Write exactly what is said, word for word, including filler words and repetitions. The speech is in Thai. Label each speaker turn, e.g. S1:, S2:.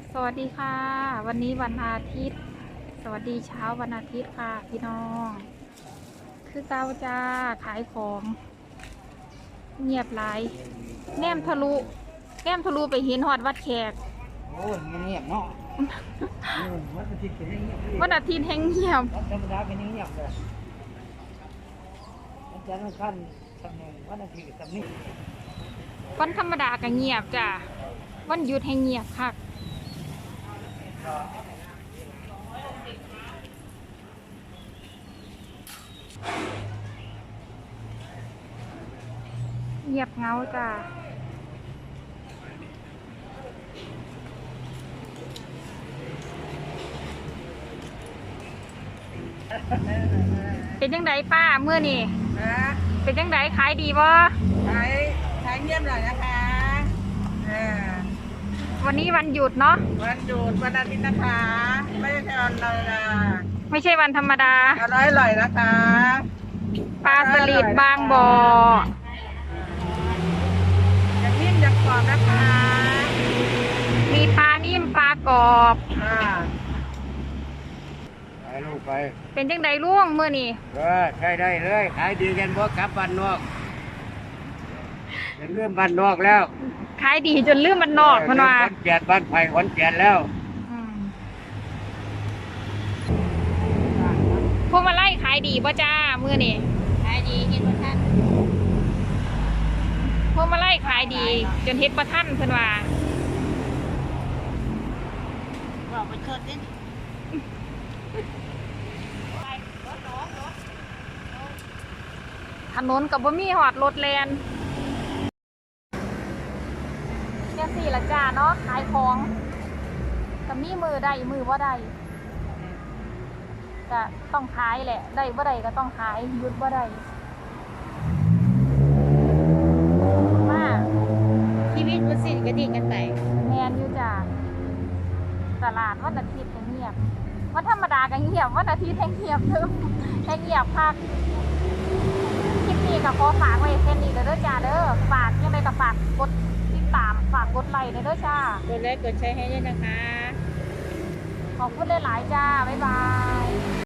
S1: สวัสดีค่ะวันนี้วันอาทิตย์สวัสดีเช้าวันอาทิตย์ค่ะพี่น้องคือเก้าจ้าขายของเงียบหลายแนมทะลุแนมทะลุไปเห็นหอดวัดแขก
S2: โอ้ยมันเงียบเนาะเออวันอาทิตย์ก็ยังเงียบเลย
S1: วันอาทิตย์แห่งเงียบ
S2: วันธรรมดาก็ยังเงียบเลยวันจันทร์วันขั้นทำหนึ่งวันอาทิตย์ก็ทำนี่
S1: วันธรรมดาก็เงียบจ้าวันหยุดแห่งเงียบค่ะเงียบเงาจ้าเป็นยังไงป้าเมื่อนี่
S3: ฮะ
S1: เป็นยังไงขายดีบ่
S3: ขายขายเงียบหน่อยนะคะเออ
S1: วันนี้วันหยุดเนาะ
S3: วันหยุดวันอาทิตย์นะคะ ไม่ใช่วันลอยนะ
S1: ไม่ใช่วันธรรมดา
S3: อร่อยอร่อยนะคะ
S1: ปลาสลิดบางบ่อ
S3: อย่างนิ่มอย่างกรอบนะคะ
S1: มีปลานิ่มปลากรอบ
S3: อ่า
S2: ไปลูกไป
S1: เป็นจังไดล่วงเมื่อนี่
S2: เออใช่ได้เลยขายดีกันเพราะกลับบ้านนอกเป็นเรื่องบ้านนอกแล้ว
S1: ขายดีจนลืมมันนอกมันว่า
S2: ขอนแก่นบ้านไผ่ขอนแก่นแล้ว
S1: อืมพวกมาไล่ขายดีป่ะจ้าเมื่อนี่ขายดีเห็นบ่ท่านพวกมาไล่ขายดี จนเฮ็ดบ่ท่านเพิ่นว่า
S3: บอกไปชดดิ
S1: ถนนกับบ่มีหอดรถแลนเนี่ยสี่ละจ้าเนาะขายของก็มีมือได้มือบ่ได้ก็ต้องขายแหละได้บ่ได้ก็ต้องขายหยุดบ่ได้มา
S3: ชีวิตมันสิ้นกระดิ่งกันไป
S1: แมนอยู่จ้าตลาดวันอาทิตย์ก็เงียบวันธรรมดาก็เงียบวันอาทิตย์แห่งเงียบเด้อแห่งเงียบพักคลิปนี้ก็ขอฝากไว้แค่นี้เด้อจ้าเด้อฝากยังไงก็ฝากกดติดตามฝากกดไลค์เด้อจ้าก
S3: ดไลค์กดแชร์ให้ด้วยนะคะ
S1: ขอบคุณหลายๆจ้าบ๊ายบาย